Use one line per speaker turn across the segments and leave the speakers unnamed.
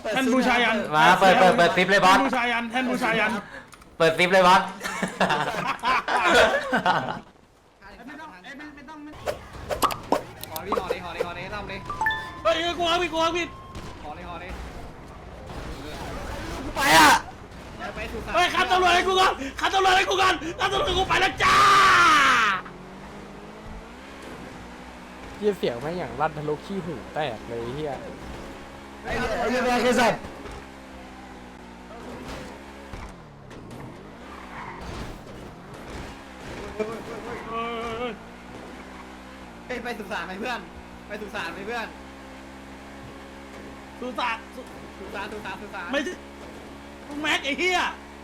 ท่านบูชายัน
มาเปิดซิปเลยบอส
ท่านบูชายันท่านบูชายัน
เปิดซิปเลยบอส
ห่อเลยทำเลย
เฮ้ยกูเอาผิด
ห่อเลย
ไปอ่ะ
ไปสุสาน
เฮ้ยขับตำรวจให้กูก่อนขับตำรวจให้กูก่อนขับตำรวจกูไปแล้วจ้า
เฮียเสียงแม่งอย่างลั่นทะลุขี้หูแตกเลยเฮีย
ไอ้เรื่องอะไรกันสัตว์
ไปสุสานไปเพื่อนไปสุสานไปเพื่อน
สุสาน
สุสาน
ไม่ใช่ลุงแม็กไอ้เหี้ย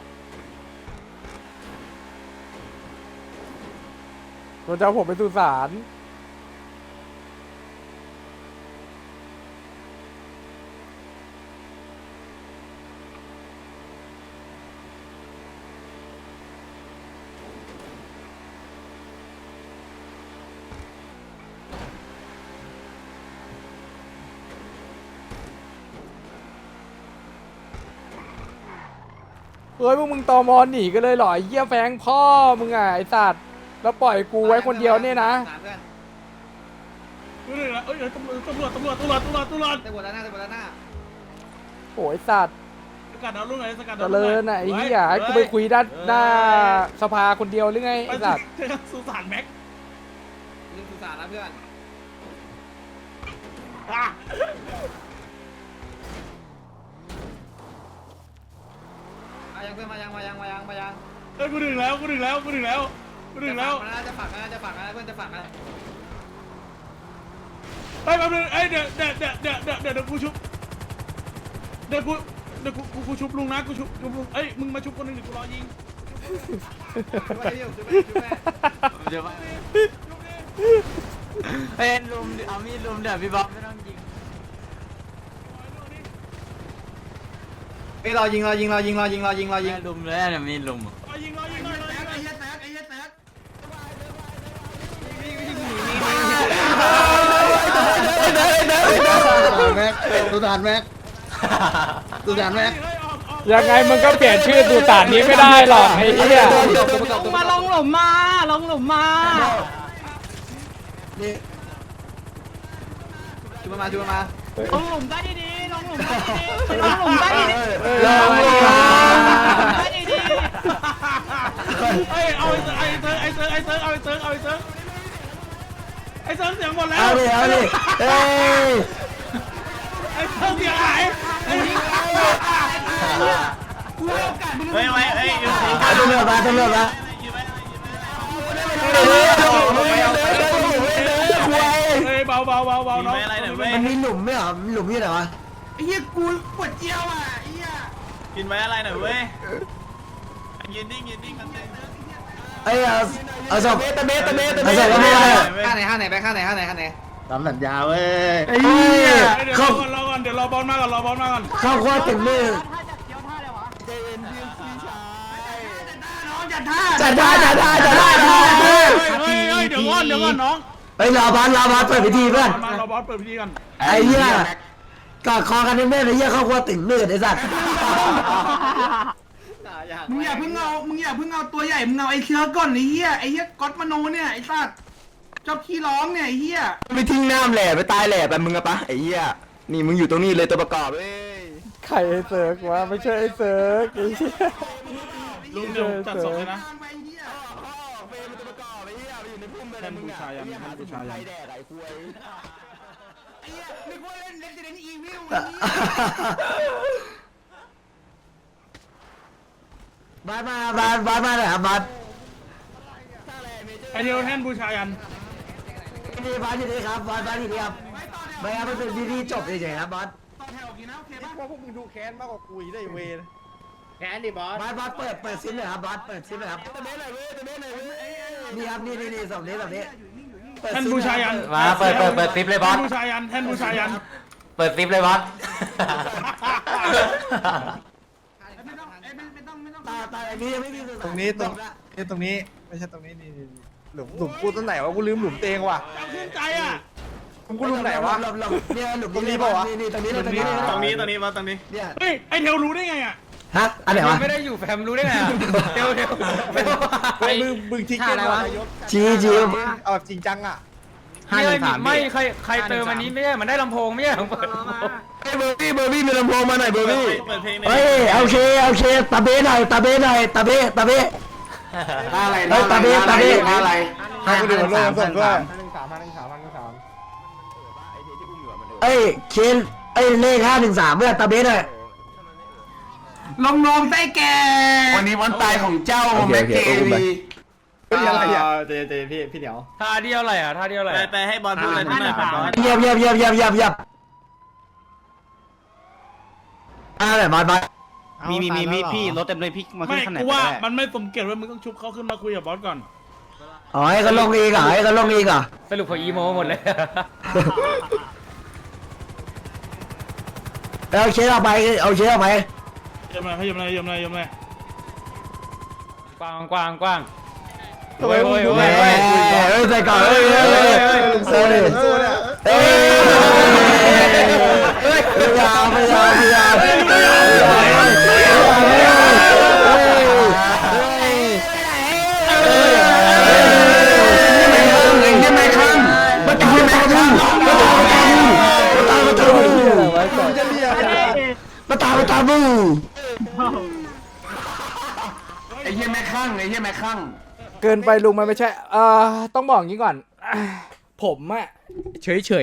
มันจะเอาผมไปสุสาน เฮ้ยพวกมึงตอมอหนีกันเลยเหรอไอ้เหี้ยแฟงพ่อมึงอ่ะไอ้สัตว์แล้วปล่อยกูไว้คนเดียวเนี่ยนะ
กูเหนื่อยแล้วเอ้ยตำรวจ
ตำรวจด้านหน้า
โอ้ยสัตว์
สกัดเอาลูกไหนสกัด
เจริญอ่ะไอ้เหี้ยให้กูไปคุยด้านหน้าสภาคนเดียวหรือไง
ไป
ไอ้สัตว์
สุสานแม็ก
ยิงสุสานนะเพื่อน
อ่ะ
ยังเพื่อนมายัง
เฮ้ยกูถึงแล้วมันน่า
จะฝักนะเพื่อนจะฝักนะ
ไปแป๊บนึงเอ้ยเดี๋ยวกูชุบเดี๋ยวกูชุบลุงนะกูชุบลุงเอ้ยมึงมาชุบคนหนึงเดี๋ยวกูรอยิง
เดี๋ยวเป็นลุมเอามีดลุมเดี๋ยวพี่บอสไม่ต้องยิง
ไปรอยิง
ลุมเลยเนี่ยมีลุม
รอยิง
สุสานแม็ก
ยังไงมึงก็เปลี่ยนชื่อสุสานนี้ไม่ได้หรอกไอ้เหี้ย
ลงหลุมมาลงหลุมมา
ชูมา
ลงหลุมได้ดีๆลงหลุมได้ดีๆลงหลุมได้ดีๆ ได้ดี
เอ้ยเอาไอ้เซิร์ฟเสียงหมดแล้ว
เอาดิเฮ้ย
ไอ้เซิร์ฟเสียงหายไอ้นี่
เฮ้ยตำรวจมา
เฮ้ยเบาน้อง
มันมีหลุมไหมเหรอหลุมที่ไหนวะ
ไอ้เหี้ยกูปวดเจียวอ่ะไอ้เหี้ย
กินไว้อะไรหน่อยเว้ยยืนนิ่งกันเต้
เอ้ยเอาศพเอาศพก็ไม่ได้
ข้างไหนไปข้างไหน
ตามสัญญาเว้ย
ไอ้เหี้ย
เดี๋ยว
เขา
รอก่อนเดี๋ยวรอบอลมาก่อน
เข้าคว้าถึงมือ
จัดท่า
จัดได้
เฮ้ยเดี๋ยวก่อนน้อง
เฮ้ยรอบอลเปิดพิธีเพื่อน
มารอบอลเปิดพิธีกัน
ไอ้เหี้ยกอดคอกันแน่ๆไอ้เหี้ยเข้าคว้าถึงมือไอ้สัตว์
มึงอย่าเพิ่งเอาตัวใหญ่มึงเอาไอ้เชื้อก่อนไอ้เหี้ยก๊อตมโนเนี่ยไอ้สัตว์เจ้าขี้ร้องเนี่ยไอ้เหี้ย
ไปทิ้งน้ำแหล่ไปตายแหล่ไปมึงอะปะไอ้เหี้ยนี่มึงอยู่ตรงนี้เลยตัวประกอบเว้ย
ใครไอ้เซิร์กวะไม่ใช่ไอ้เซิร์กไอ้เหี้ย
ลุงเดี๋ยวจัดศพเลยนะ
ไอ้เหี้ย
ท่านบูชายัน
ไอ้เหี้ยนึกว่าเล่น Resident Evil
บาสมาเลยครับบาส
ไอเดียวท่านบูชายัน
นี่บาสที่นี่ครับบาสที่นี่ครับไม่ครับมันเป็นพิธีจบเฉยๆครับบาส
ต่อแถวกินนะโอเคปะ
พวกมึงดูแค้นมากกว่ากูได้เวร
แขนดิบอส
บาสเปิดซิปเลยครับบาสเปิดซิปเลยครับนี่ครับนี่สองนี้
ท่านบูชายัน
มาเปิดซิปเลยบอส
ท่านบูชายัน
เปิดซิปเลยบอส
ไม่ต้อง
ตาอันนี้ยังไม่มี
ตรงนี้ไม่ใช่ตรงนี้นี่หลุมกูตรงไหนวะกูลืมหลุมเตงว่ะ
เอาขึ้นใจอ่ะ
กูลุงไหนวะ
หลบเนี่ยหลบนี่เปล่าวะนี่ตรงนี้ตรงนี้
ตรงนี้มาตรงนี้
เนี่ย
เฮ้ยไอเทลรู้ได้ไงอ่ะ
ฮะอันไหนวะ
ไม่ได้อยู่แฟมรู้ได้ไงอะเดี๋ยวไอ้มึงทิ้งเกมอะไรวะ
จี
เอาแบบจริงจังอ่ะ
513
ไม่ใครเติมอันนี้ไม่ใช่มันได้ลำโพงไม่ใช่เปิด
ไอ้เบอร์บี้มีลำโพงมาหน่อยเบอร์บี้
เปิดเพลง
เฮ้ยโอเคตาเบ้หน่อยตาเบ้อะไรตาเบ้อะไร
ให้กูดูมันโลงส่งด้วย
เอ้ยเคนเอ้ยเลข513เมื่อตาเบ้หน่อย
น้องๆได้แก่วันนี้วันตายของเจ้าแม็กเกวี
อะไรอ่ะเจพี่เหนียว
ท่าเดียวอะไรอ่ะท่าเดียวอะไร
ไปให้บอลพูดอะไรที่หน่อยบอล
เยียบอะไรมา
มีพี่รถเต็มเลยพี่มา
ไม่
ขึ้นขนาด
กู
ไหน
ว่า
ได้
มันไม่สมเกียรติว่ามึงต้องชุบเขาขึ้นมาคุยกับบอสก่อน
อ๋อให้เขาลงอีกเหรอให้เขาลงอีกเหรอ
สรุปพออีโมหมดเลย
เอาเช็ดออกไปเอาเช็ดออกไป
ยมเลย
กว้างโอ้ย
ใส่ก่อนพยายามไม่ข้างประตูบูไอ้เหี้ยแม่ข้าง
เกินไปลุงมันไม่ใช่ต้องบอกงี้ก่อน ผมอะเฉย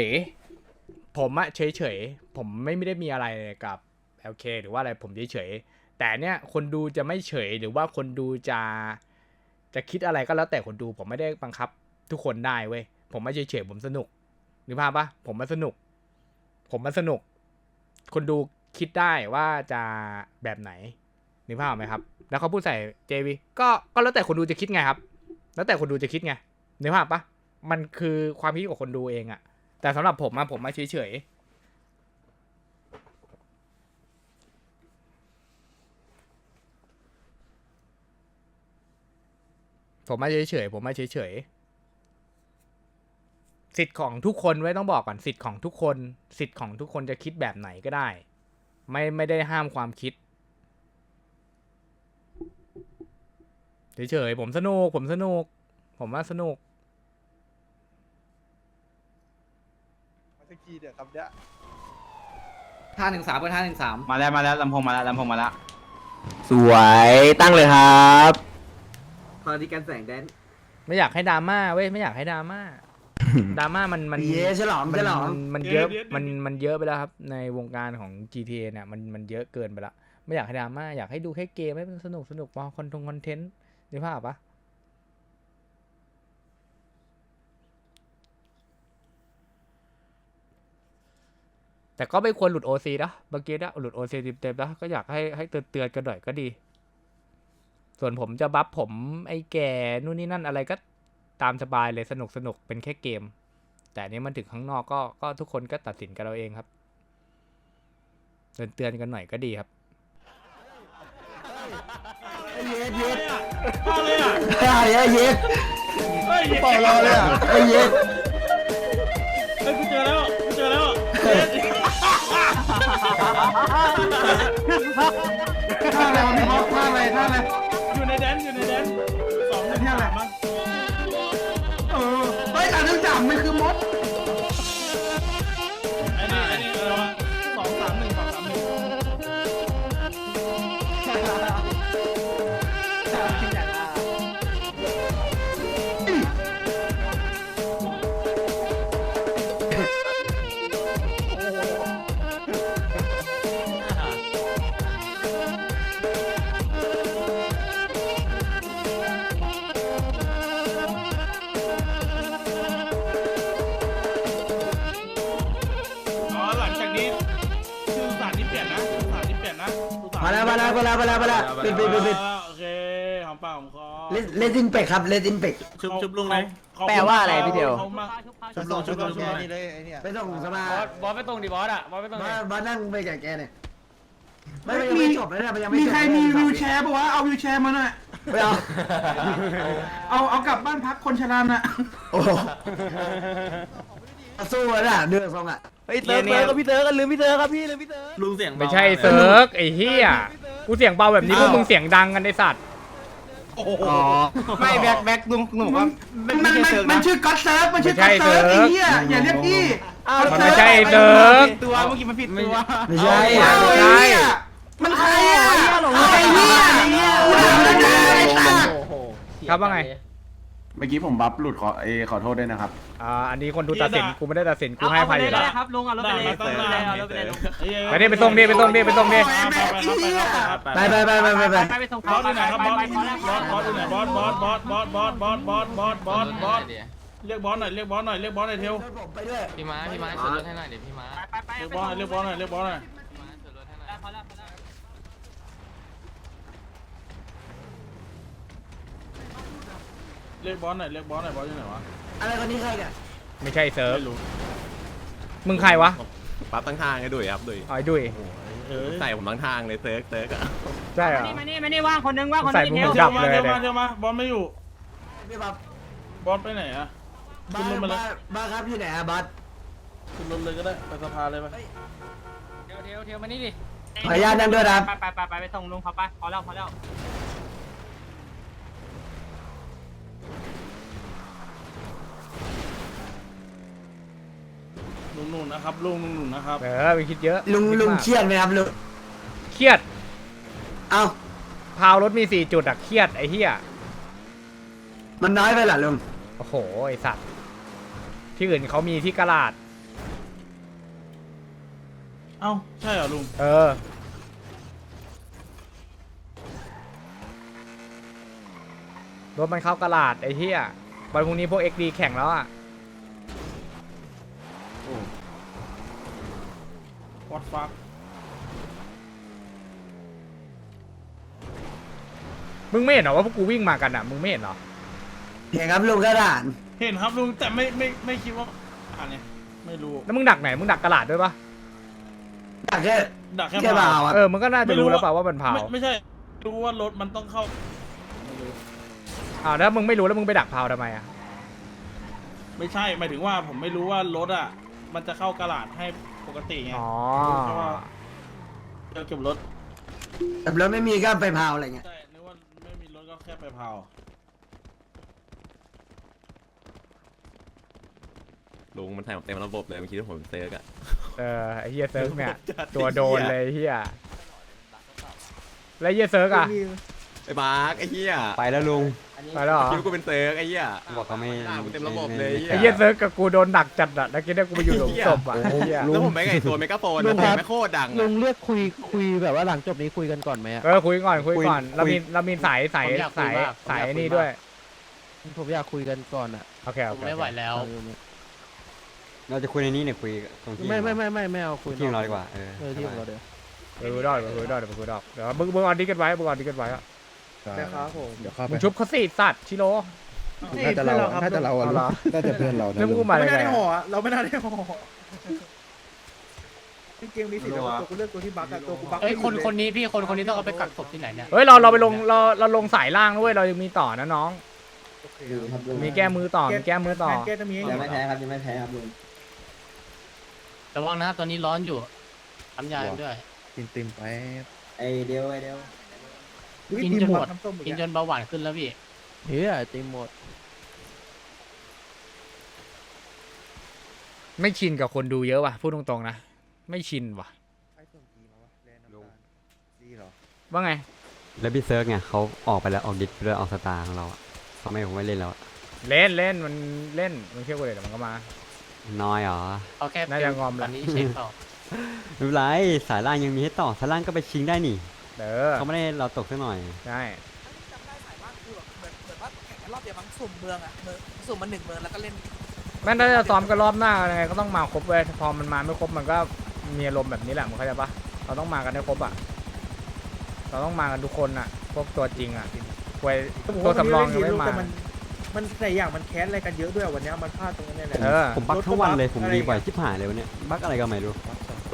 ผมไม่ได้มีอะไรกับ LK หรือว่าอะไรผมเฉยแต่เนี่ยคนดูจะไม่เฉยหรือว่าคนดูจะคิดอะไรก็แล้วแต่คนดูผมไม่ได้บังคับทุกคนได้เว้ยผมไม่เฉยผมสนุกนึกภาพปะผมมันสนุกคนดูคิดได้ว่าจะแบบไหนนึกภาพไหมครับแล้วเขาพูดใส่ JV ก็แล้วแต่คนดูจะคิดไงครับแล้วแต่คนดูจะคิดไงนึกภาพปะมันคือความคิดของคนดูเองอะแต่สำหรับผมอะผมมาเฉยสิทธิ์ของทุกคนไว้ต้องบอกก่อนสิทธิ์ของทุกคนจะคิดแบบไหนก็ได้ไม่ได้ห้ามความคิดเฉยผมสนุกผมว่าสนุก
513เป็น513มาแล้วลำโพงมาแล้ว
สวยตั้งเลยครับ
พอดีกันแสงแดน
ไม่อยากให้ดราม่าเว้ยไม่อยากให้ดราม่า ดราม่ามัน
เย้ฉลอง
มันเยอะมันเยอะไปแล้วครับในวงการของ GTA เนี่ยมันเยอะเกินไปละไม่อยากให้ดราม่าอยากให้ดูแค่เกมให้มันสนุกพอคอนเทนต์นึกภาพปะแต่ก็ไม่ควรหลุด OC นะเมื่อกี้นะหลุด OC เต็มๆนะก็อยากให้เตือนกันหน่อยก็ดี ส่วนผมจะบัฟผมไอ้แก่นู่นนี่นั่นอะไรก็ตามสบายเลยสนุกเป็นแค่เกมแต่นี้มันถึงข้างนอกก็ทุกคนก็ตัดสินกันเราเองครับเตือนกันหน่อยก็ดีครับ
เย็ด
มาเลยอ่ะ
เย็ด
เฮ้ย
เปล่ารอเลยอ่ะเย็ด
เฮ้ยกูเจอแล้ว
ท่าอะไรวะพี่บ๊อบท่าอะไร
อยู่ในแดน2 1 3มั้ง
เฮ้ยแต่เรื่องจับมันคือมด
ไอ้นี่อะไรวะ2 3 1 หลังจากนี้ชื่อสารที่เปลี่ยนนะ
มาแล้วปิด
โอเคหอมปากหอมคอ
เลดินเป็กครับเลดินเป็ก
ชุบลุงเลย
แปลว่าอะไรพี่เดียว
ชุบลุง
ไปส่งสมา
บอสไปตรงดิบอสอ่ะบอสไปตรงไหน
บ้านนั่งไปแกเนี่ยไม่จบเลยนะมันยังไม่
มี
จบ
ใครมีวิวแชร์ปะวะเอาวิวแชร์มาหน่อย
ไม่เอา
เอากลับบ้านพักคนชราน่ะ
โอ้สู้แล้วน่ะเดือดทรงอ่ะ
เฮ้ยเติร์กพี่เติร์กลืมพี่เติร์กครับพี่ลืมพี่เติร์ก
ลุงเสียงเบา
ไม่ใช่เซิร์กไอ้เหี้ยกูเสียงเบาแบบนี้พวกมึงเสียงดังกันไอ้สัตว์
อ๋อไม่แบ็คลุงบอกว่า
มันชื่อก๊อตเซิร์ฟมันชื่อก๊อตเซิร์ฟไอ้เหี้ยอย่าเรียกพี่
มันไม่ใช่เซิร์ก
ตัวเมื่อกี้มันผิดตัว
ไม่ใช่
ใช่
มันใครอ่ะไอ้เหี้ยกูด่ามันได้ไอ้สัส
ครับว่าไง
เมื่อกี้ผมบัฟหลุดขอโทษด้วยนะครับ
อันนี้คนดูตัดสินกูไม่ได้ตัดสินกูให้อภัยอยู่แล้ว
ครับลุงเอารถไปเลยเอารถไปเลยลุง
ไปดิไปส่งดิไปส่งดิไปส่งดิ
ไปไปไปไปไปไป
ไปส่ง
บอสอยู่ไหนครับบอส
ไป
บอสอยู่ไหนบอสเรียกบอสหน่อยเรียกบอสหน่อยเรียกบอสหน่อยเทว
ผมไปด้วย
พี่ม้าช่วยรถให้หน่อยเดี๋ยวพี่ม้า
ไป
เรียกบอสหน่อยเรียกบอสหน่อยเรียกบอสหน่อย
พี่ม้าช่วยรถให้หน่อย
พอแล้ว
เรียกบอสหน่อยเรียกบอสหน่อยบอสอยู่ไหนวะ
อะไรคนนี้ใครกัน
ไม่ใช่เซิร์ฟ
ไม่รู้
มึงใครวะ
ปั๊บตั้งทางไอ้ดุยครับดุย
อ๋อไอ้ดุย
ใส่ผมตั้งทางเลยเซิร์กอะ
ใช่เหรอ
นี่ว่างคนนึงว่างคน
ใส่
นึง
มึง
เดียว
ดับเลย
เทวมาเทวมาบอสไม่อยู่
พี่บับบ
อสไปไหนอะ
บ้า
ขึ้นรถมาเลย
บ้าครับอยู่ไหนอะบัส
ขึ้นรถเลยก็ได้ไปสภาเลยไป
เทียวมานี่ดิ
ขออนุญาตนั่งด้วยนะครับ
ไปส่งลุงเขาไปพอแล้ว
ลุงนุ่นนะครับลุงนุ่นนะครับ
ไปคิดเยอะ
ลุง
คิด
ลุง
มาก
เครียดไหมครับลุง
เครียด
เอ้า
พาวรถมี4จุดอะเครียดไอ้เหี้ย
มันน้อยไปเหรอลุง
โอ้โหไอ้สัตว์ที่อื่นเขามีที่กระลาด
เอ้าใช่เหรอลุง
รถมันเข้ากระลาดไอ้เหี้ยวันพรุ่งนี้พวก XD แข่งแล้วอะ
วัดฟัก
มึงไม่เห็นเหรอว่าพวกกูวิ่งมากันอะมึงไม่เห็นเหรอ
เห็นครับลุงกระดาน
เห็นครับลุงแต่ไม่คิดว่าอ่านเนี่ยไม่รู้
แล้วมึงดักไหนมึงดักกระลาดด้วยปะ
อยากแค่
ดักแค่
แค่เปล่าอ่ะ
มึงก็น่าจะรู้แล้วเปล่าว่ามันพาว
ไม่ใช่รู้ว่ารถมันต้องเข้าไม่รู้
แล้วมึงไม่รู้แล้วมึงไปดักพาวทำไมอะ
ไม่ใช่หมายถึงว่าผมไม่รู้ว่ารถอ่ะมันจะเข้ากระดาษให้ปกติไง
อ๋อ
เพราะว่าจะเก็บรถ
แต่รถไม่มีก็ไปพาวอะไรเงี้ย
ใช่นึกว่าไม่มีรถก็แค่ไปเผา
ลุงมันใส่ผมเต็มระบบเลยเมื่อกี้ที่ผมเซิร์กอะ
ไอ้เหี้ยเซิร์กเนี่ยตัวโดนเลยไอ้เหี้ยแล้วไอ้เหี้ยเซิร์กอะ
ไอ้มาร์กไอ้เหี้ย
ไปแล้วลุง
ไปแล้วเหรอ
คิดว่ากูเป็นเซิร์กไอ้เหี้ย
บอกเขาไม่
ด่าผมเต็มระบบเลย
ไอ้เหี้ยเซิร์กกับกูโดนดักจัดอะแล้วกินได้กูไปอยู่หลุมศพอะไอ้เหี้ย
แล้วผมไม่ไงตัวเมกาโฟนนะแต่ไม่โคตรดัง
ลุงเลือกคุยแบบว่าหลังจบนี้คุยกันก่อนไหมอะ
คุยก่อนเรามีสายนี่ด้วย
ผมอยากคุยกันก่อนอะ
โอเค
ผมไม่ไหวแล้ว
เราจะคุยในนี้เนี่ยคุยตรงที่
ไม่เอาคุย
ที่ของเราดีกว่า
ที่ของเราเดี๋ยว
คุยได้เดี๋ยวมึงเอาดิกันไว้อะ
นะครับผม
มึงชุบเขาสิสัตว์ชิโร่
น่าจะเราน่าจะเพื่อนเรา
แล้วมึงมาได้ไง
เราไม่น่าได้ห่อเกมนี้สิตัวกูเลือกตัวที่บักอะตัวกูบัก
เอ้ยคนนี้พี่คนนี้ต้องเอาไปกักศพที่ไหนเนี่ย
เฮ้ยเราไปลงเราลงสายล่างด้วยเรายังมีต่อนะน้องมีแก้มือต่อ
แก้จะมี
ยังไม่แพ้ครับยังไม่แพ้ครับลุง
ระวังนะครับตอนนี้ร้อนอยู่ทำยาด้วย
ติมไป
ไอเดียว
กินจนหมดกินจนเบาหวานขึ้นแล้วพี่
เฮ้ยติมหมด
ไม่ชินกับคนดูเยอะว่ะพูดตรงๆนะไม่ชินว่ะว่าไง
แล้วพี่เซิร์กเนี่ยเขาออกไปแล้วออกดิสไปแล้วออกสตาร์ของเราอะเขาไม่ผมไม่เล่นแล้วอะ
เล่นมันเล่นมันเที่ยวกูเลยแต่มันก็มา
น้อยเหรอ
เอาแค่
น่าจะงอม
ต
ละ
อนนี้เช็คเปล่า
ไม่เป็นไรสายล่างยังมีให้ต่อสายล่างก็ไปชิงได้นี่
เขา
เขาไม่ได้เราตกซะหน่อย
ใช่
จำได้สายว่างคือแบบเหมือนว่าแข่งกันรอบเดียวมั้งสุ่มเมืองอ่ะสุ่มมา1 เมืองแล้วก็เล่น
แม่งถ้าจะซ้อมกันรอบหน้ายังไงก็ต้องมาครบเว้ยพอมันมาไม่ครบมันก็มีอารมณ์แบบนี้แหละมึงเข้าใจปะเราต้องมากันให้ครบอ่ะเราต้องมากันทุกคนอ่ะพวกตัวจริงอ่ะตัวสำรองยังไม่มา
มันแต่อย่างมันแค้นอะไรกันเยอะด้วยวันนี้มันพลาดตรงนี้แหละ
ผมบักทั้งวันเลยผมรีบ่อยชิบหายเลยวันเนี้ยบักอะไรก็ไม่รู้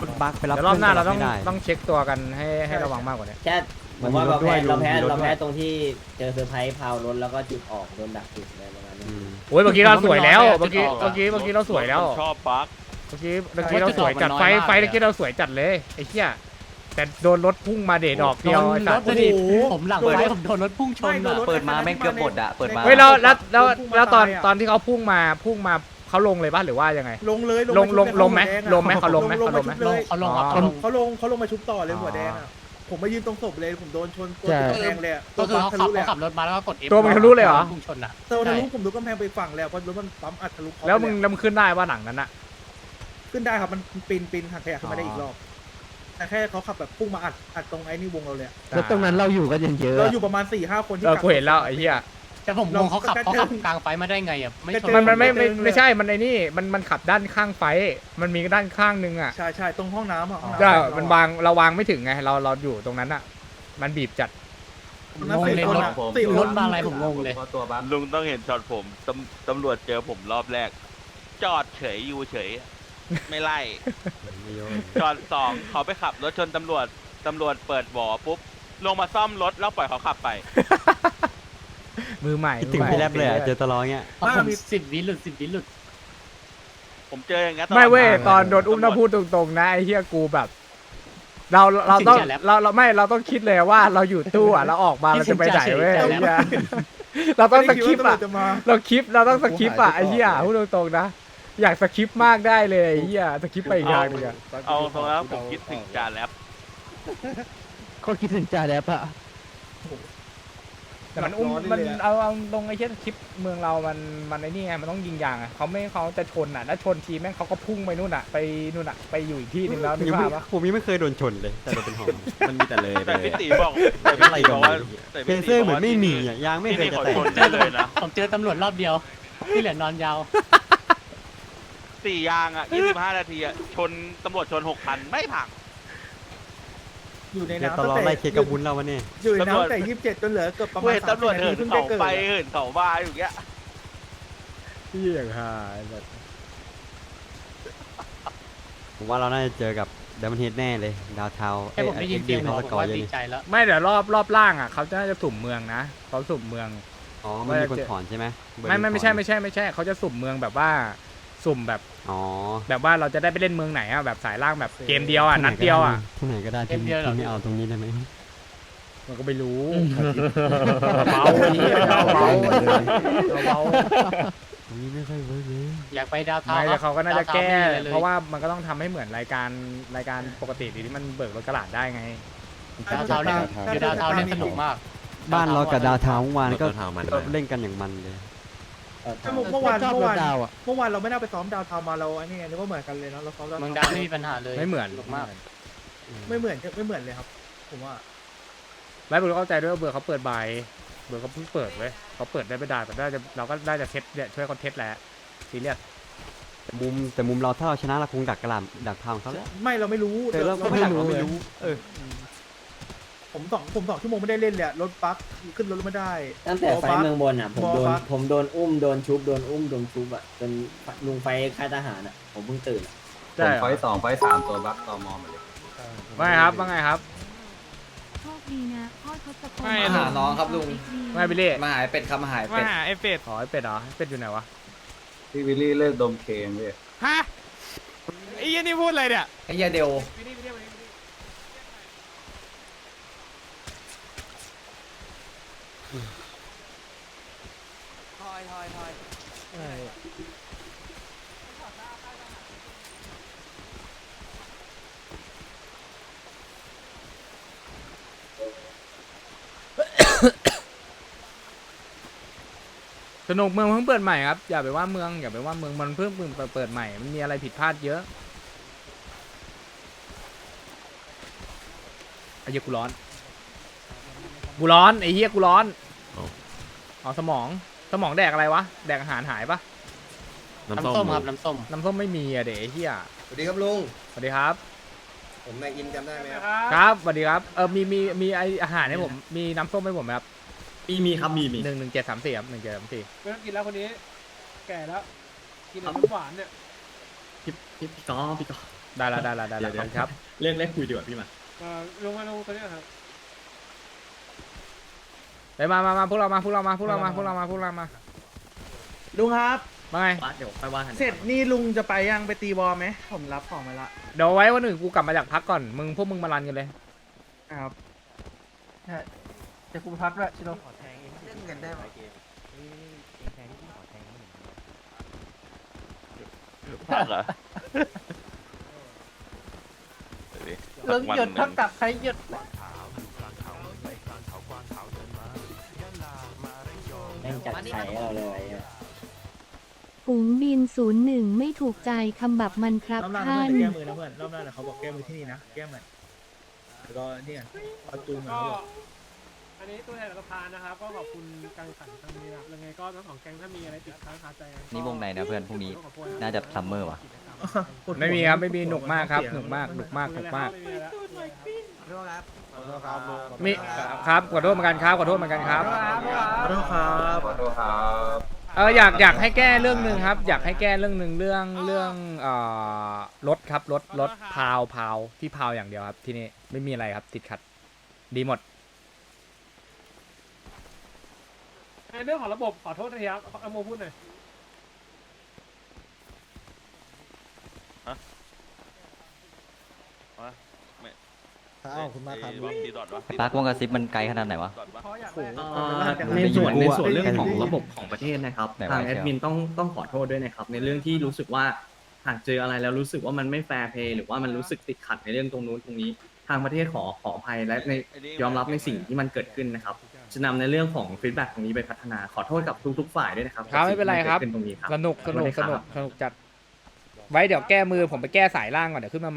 บักไปรับ
เดี๋ยวรอบหน้าเราต้อง
ไม่ได้
ต้องเช็คตัวกันให้ระวังมากกว่านี้
แค่ผมว่าเราแพ้ตรงที่เจอเซอร์ไพรส์พาวรถแล้วก็จุดออกโดนดักจุดอะไรประมาณนี้
โอ้ยเมื่อกี้เราสวยแล้วเมื่อกี้เราสวยแล้ว
ชอบบัก
เมื่อกี้เราสวยจัดไฟเมื่อกี้เราสวยจัดเลยไอ้เหี้ยแต่โดนรถพุ่งมาเดดอกเดียวไอ้สัตว์
ผมหลังไฟผมโดนรถพุ่งชนอ่ะ
เปิดมาแม่งเกือบหมดอ่ะเปิดมา
เฮ้ยแล้วตอนที่เขาพุ่งมาเขาลงเลยป่ะหรือว่ายังไง
ลงเลย
ลงไหมเขาลงไหม
เขาลงเลย
เขาลงครับ
เขาลงมาชุบต่อเลยหัวแดงอ่ะผมมายืนตรงศพเลยผมโดนชนตัวแดงเลย
ก็คือเขาขับรถมาแล้วก็กด F
ตัวมันทะลุเลยเหรอ
พุ่งชนอ่ะ
เซลทะลุผมดูกำแพงไปฝั่งแล้วเพราะรถมันปั๊มอัดทะลุ
แล้วมึงขึ้นได้ว่าหลังนั้นอะ
ขึ้นได้ครับมันปีนหักขยะขึ้นมาได้อีกรอบแต่แค่เขาขับแบบพุ่งมาอัดตรงไอ้นี่วงเราเลย
แล้วตรงนั้นเราอยู่กันเยอะ
เราอยู่ประมาณ 4-5 คนที่
กูเห็นแล้วไอ้เหี้ย
แต่ผมงงเขาขับกลางไฟมาได้ไงอ่ะไม่ชน
มันไม่ใช่มันไอ้นี่มันขับด้านข้างไฟมันมีด้านข้างนึงอะ
ใช่ตรงห้องน้ำอ่ะ
ก็มันเราวางไม่ถึงไงเราอยู่ตรงนั้นอะมันบีบจัด
งงเลยรถมาอะไรผมงงเลย
ลุงต้องเห็นช็อตผมตำรวจเจอผมรอบแรก จอดเฉยอยู่เฉย ไม่ไล่ จอดสองเขาไปขับรถชนตำรวจเปิดบ่อปุ๊บลงมาซ่อมรถแล้วปล่อยเขาขับไป
มือใหม่
คิดถึงพี่แรปเลยอ่ะเจอตลอดเงี้ย
ผม10 วิหลุด
ผมเจออย่างงั้น
ไม่เว้ยตอนโดนอุ้มต้องพูดตรงๆนะไอ้เหี้ยกูแบบ เราต้องเราต้องคิดเลยว่าเราอยู่ตู้อ่ะเราออกมาเราจะไปไหนเว้ยไอ้เหี้ยเราต้องสคริปต์อ่ะเราต้องสคริปต์อ่ะไอ้เหี้ยพูดตรงๆนะอยากสคริปต์มากได้เลยไอ้เหี้ยสคริปต์ไปอีกอย่างนึงอ่ะ
เอาตรงแล้วผมคิดถึงจานแล้ว
เขาคิดถึงจ่าแดบอะ
แต่มันอุ้มมันเอาตรงไอ้เหี้ยสคริปต์เมืองเรามันไอ้นี่ไงมันต้องยิงยางอ่ะเขาจะชนอ่ะแล้วชนทีแม่งเขาก็พุ่งไปนู่นอ่ะไปนู่นอ่ะไปอยู่อีกที่นึงแล้วนึกภาพปะ
ผมยังไม่เคยโดนชนเลยแต่โดนเป็นหอม
มันมีแต่เลยไป
แต่
เล
พี่
ย
ตีบอกแต่พี่ตีบอกว่า
เพเซอร์เหมือนไม่มีอ่ะยางไม่เคยจะแตก
ชนได้เลยนะ
ผมเจอตำรวจรอบเดียวที่เหลือนอนยาว
4 ยางอ่ะ 25 นาทีอ่ะชนตำรวจชน 6 คันไม่พัง
อยู่ใน
เจอ
น้ำ
ตลอดไล่เคกับบุญเราวันนี้
อยู่ในน้ำแต่27จนเหลือเกือบประมาณ
เว้ยตำรวจ
30
เหิน
เพิ่ง
เขา
ได้เกิด
ไปเหินเขามาอยู่อย่างเงี้ย
เหี้ยหายแบบ
ผมว่าเราน่าจะเจอกับเดมอนเฮดแน่เลยดาวเทา
แค่ผมได้ยินเสียง
เขา
ผ
ส
ม
กอร์
ว่า
เยอะ
ดี
นี่
ใจแล้ว
ไม่เดี๋ยวรอบล่างอ่ะเขาจะน่าจะสุ่มเมืองนะเขาสุ่มเมือง
อ๋อมันมีคนถอนใช่ไหม
ไม่ใช่เขาจะสุ่มเมืองแบบว่าสุ่มแบบ
อ๋อ
แบบว่าเราจะได้ไปเล่นเมืองไหนอ่ะแบบสายล่างแบบเกมเดียวอ่ะนัดเดียวอ่ะ
ที่ไหนก็ได้ที่ไม่เอาตรงนี้ได้ไหม
มันก็ไม่รู้เบาเหี้ยเบาเบา
ตรงนี้ไม่ค่อยเวิร์กเลย
อยากไปดาวเทา
ไม่แต่เขาก็น่าจะแก้
ดวทไม่มีอไลย
เพราะว่ามันก็ต้องทำให้เหมือนรายการปกติที่มันเบิกรถกระดาษได้ไง
ดาวเทาเนี่ยคือดาวเทาเนี่ยสนุกมาก
บ้านเรากับดาวเทาเมื่อวานก็
ดาวเทามัน
เล่นกันอย่างมันเลย
เมื่อวานเราไม่น่าไปซ้อมดาวทาวมาเราไอ้นี่ไงนึกว่าเหมือนกันเลยเนาะเราซ้อมดาว
เมืองดาวไม่มีปัญหาเลย
ไม่เหมือน
สนุกมาก
ไม่เหมือนเลยครับผมว่า
แล้วผมเข้าใจด้วยว่าเบิร์เขาเปิดใบเบิร์เขาเพิ่งเปิดเว้ยเขาเปิดได้ไม่ได้แต่เราก็ได้จะเทสเนี่ยช่วยเขาเทสแหละซีเรียส
แต่มุมเราถ้าเราชนะเราคงดักกระหล่ำดักทางเขาแล้ว
ไม่เราไม่รู้
แต่เราก็ไม่ดักเราไม่รู้
ผม2 ชั่วโมงไม่ได้เล่นเลยรถบั๊กขึ้นรถไม่ได้
ตั้งแต่ไฟเมืองบนอ่ะผมโดนอุ้มโดนชุบโดนชุบอ่ะจนลุงไฟค่ายทหารอ่ะผมเพิ่งตื่น
ใช่
ไฟ2ไฟ3ตัวบัคตอมอหมดเลย
ว่าไงครับว่าไงครับ
โชคดีนะพ่อทศพล
มาหาน้องครับลุง
ไม่บิลลี่
มาหายเป็ดครับมาหายเป็ด
ไอ้เป็ด
อ๋อไอ้เป็ดเหรอไอ้เป็ดอยู่ไหนวะ
พี่วิลลี่เลิกดมเคนเว้ย
ฮะไอ้ยี่นี่พูดอะไรเนี่ย
ไอ้เหี้ยเดียว
สนุกเมืองเพิ่งเปิดใหม่ครับอย่าไปว่าเมืองมันเพิ่งเปิดใหม่มันมีอะไรผิดพลาดเยอะไอ้เหี้ยกูร้อนไอ้เหี้ยกูร้อนอ๋อสมองแดกอะไรวะแดกอาหารหายปะ
น้ำส้มครับน้ำส้ม
ไม่มีอะเด็กไอ้เหี้ย
สวัสดีครับลุง
สวัสดีครับ
ผมนายอินจำได้ไหมครับ
ครับสวัสดีครับมีไออาหารให้ผมมีน้ำส้มให้ผมไหมครับ
มีครับมี
1734ครับ1734
ไม่ต้องกินแล้วคนนี้ แก่แล้ว กินแต่น้ำหวานเนี่ย
พี่กอ
ได้ละครับ
เรื่องแรกคุยดีกว่าพี่มา
ลงตัวนี้ครับ
ไปมาพวกเรามา
ลุงครับ
มาไง
เดี๋ยวไปว่ากัน
เสร็จนี่ลุงจะไปยังไปตีบอลไหมผมรับของมาละ
เดี๋ยวไว้วันหนึ่งกูกลับมาจากพักก่อนพวกมึงมารันกันเลย
ครับจะกูพักด้วยชิโร่เล่นกันได้ไหม
พักเหรอ
ลุงหยุดเท่ากับใครหยุด
แม่งจัดไข่เราเลยอะ
ฝูงบิน01ไม่ถูกใจคำบับมันครับท่าน
แก้มือนะเพื่อนรอบหน้าเขาบอกแก้มือที่นี่นะแก้ใหม่แล้วก็เนี่ยเอาจูนมา
ก็อันนี้ตัวแทนรัฐบาลนะครับ ก็ขอบคุณการแข่งขันครั้งนี้นะครับยังไงก็ทั้งสองแก๊งถ้ามีอะไรติดค้างคาใจ
นี่วงไหนนะเพื่อนพรุ่งนี้น่าจะซัมเมอร์ว่ะ
ไม่มีครับไม่มีหนุกมากครับหนุกมาก มีครับขอโทษเหมือนกันครับ
ขอโทษครับ
อยากให้แก้เรื่องหนึ่งครับ อยากให้แก้เรื่องหนึ่งเรื่องรถครับรถพาวที่พาวอย่างเดียวครับที่นี่ไม่มีอะไรครับติดขัดดีหมด
ในเรื่องของระบบขอโทษนะครับเอาโมพูดหน่อย
ขอบคุณมากครับ
ไอ้ปาร์ควงกระซิบมันไกลขนาดไหนวะ
ในส่วนเรื่องของระบบของประเทศนะครับ
ไหนวะ
ทางแอดมินต้องขอโทษด้วยนะครับ ในเรื่องที่รู้สึกว่าหากเจออะไรแล้วรู้สึกว่ามันไม่แฟร์เพย์หรือว่ามันรู้สึกติดขัดในเรื่องตรงนู้นตรงนี้ ทางประเทศขออภัยและยอมรับในสิ่งที่มันเกิดขึ้นนะครับจะนำในเรื่องของฟีดแบ็กตรงนี้ไปพัฒนาขอโทษกับทุกๆฝ่ายด้วยนะครับ
ครับไม่เป็นไรครับ
กับสิ่งที่กิดขึ้นตรงนี้ครับ
สนุกจัดไว้เดี๋ยวแก้มือผมไปแก้สายล่างก่อนเดี๋ยวขึ้นมาใหม่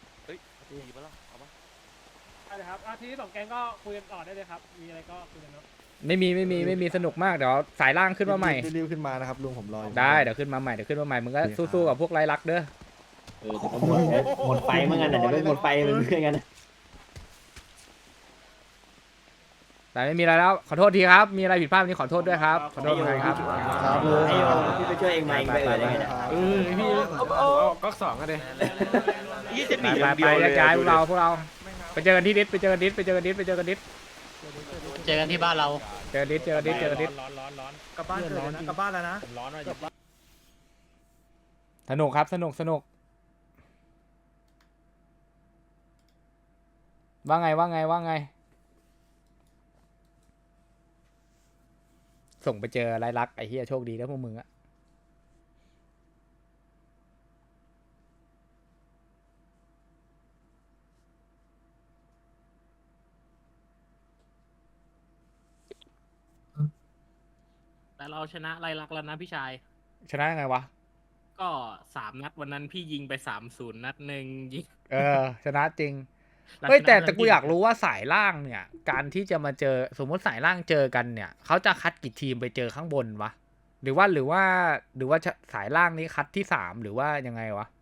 ได้ครับทีนี้สองแก๊งก็คุยกันต่อได้เลยครับมีอะไรก็คุยกันเนาะ
ไม่มีสนุกมากเดี๋ยวสายล่างขึ้นมาใหม่
รีบขึ้นมานะครับลุงผมรอ
ได้เดี๋ยวขึ้นมาใหม่มึงก็สู้ๆกับพวกไร้รักเด้อ
แต่ก็หมดไฟเหมือนกันนะเดี๋ยวไม่หมดไฟเหมือนกันนะ
แต่ไม่มีอะไรแล้วขอโทษทีครับมีอะไรผิดพลาดวันนี้ขอโทษด้วยครับขอโทษเหมือนกันครับ
ไอ้โยพี่ไปช่วยเองมาเองไปได้ไงเนี่ย
พี่ก็สองกันเลย
ยี่จะหนี
ไปย้ายพวกเราไปเจอกันที่ดิสไปเจอกันดิส
เจอกันที่บ้านเรา
เจอดิส
ร้อนกลับบ้านเกิดนะกลับบ้านแล้วนะร้อนว่ะ
สนุกครับสนุกว่าไงส่งไปเจอไรลักไอ้เหี้ยโชคดีแล้วพวกมึงอะ
แต่เราชนะไล่ลักแล้วนะพี่ชาย
ชนะยังไงวะ
ก็3 นัดวันนั้นพี่ยิงไป3-0 นัดหนึ่งยิง
ชนะจริงเฮ้ยแต่กูอยากรู้ว่าสายล่างเนี่ยการที่จะมาเจอสมมติสายล่างเจอกันเนี่ยเขาจะคัดกี่ทีมไปเจอข้างบนวะหรือว่าสายล่างนี้คัดที่3หรือว่ายังไงวะ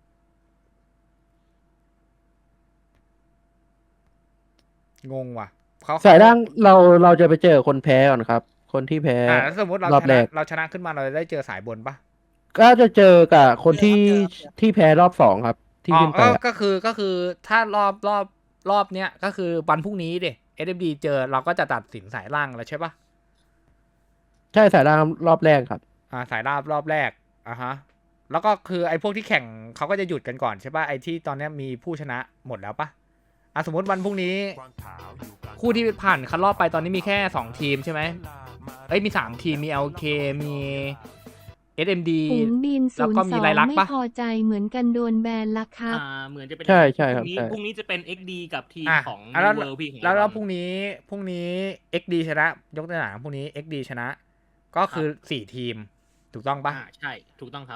งงว่ะเขา
สายล่างเราจะไปเจอคนแพ้ก่อนครับ คนที่แพ้
สมมติเรา
รอบแรก
ชนะขึ้นมาเราจะได้เจอสายบนปะ
ก็จะเจอกับคนที่แพ้รอบ2ครับ ที่ขึ้นไปอะ
ก็คือถ้ารอบเนี้ยก็คือวันพรุ่งนี้ดิ SMD เจอเราก็จะตัดสินสายล่างแล้วใช่ปะ
ใช่สายล่างรอบแรกครับ
สายรอบแรกฮะแล้วก็คือไอ้พวกที่แข่งเขาก็จะหยุดกันก่อนใช่ปะไอ้ที่ตอนเนี้ยมีผู้ชนะหมดแล้วปะสมมติวันพรุ่งนี้คู่ที่ผ่านคัดรอบไปตอนนี้มีแค่2ทีมใช่ไหมมี3ทีมมี LK มี SMD
ฝูงบิน
แล้วก็มีรายลักษณ์
ไม่
ปะ
พอใจเหมือนกันโดนแบนละครับ
เหมือนจะเป็น
ใช่ครับใช่
พรุ่งนี้จะเป็น XD กับทีมของ
แล้ว
New World พี่ของ
แล้ว
เรา
พรุ่งนี้ XD ชนะ ยกตัวอย่างพรุ่งนี้ XD ชนะ ก็คือ4ทีมถูกต้องปะ
ใช่ถูกต้องครับ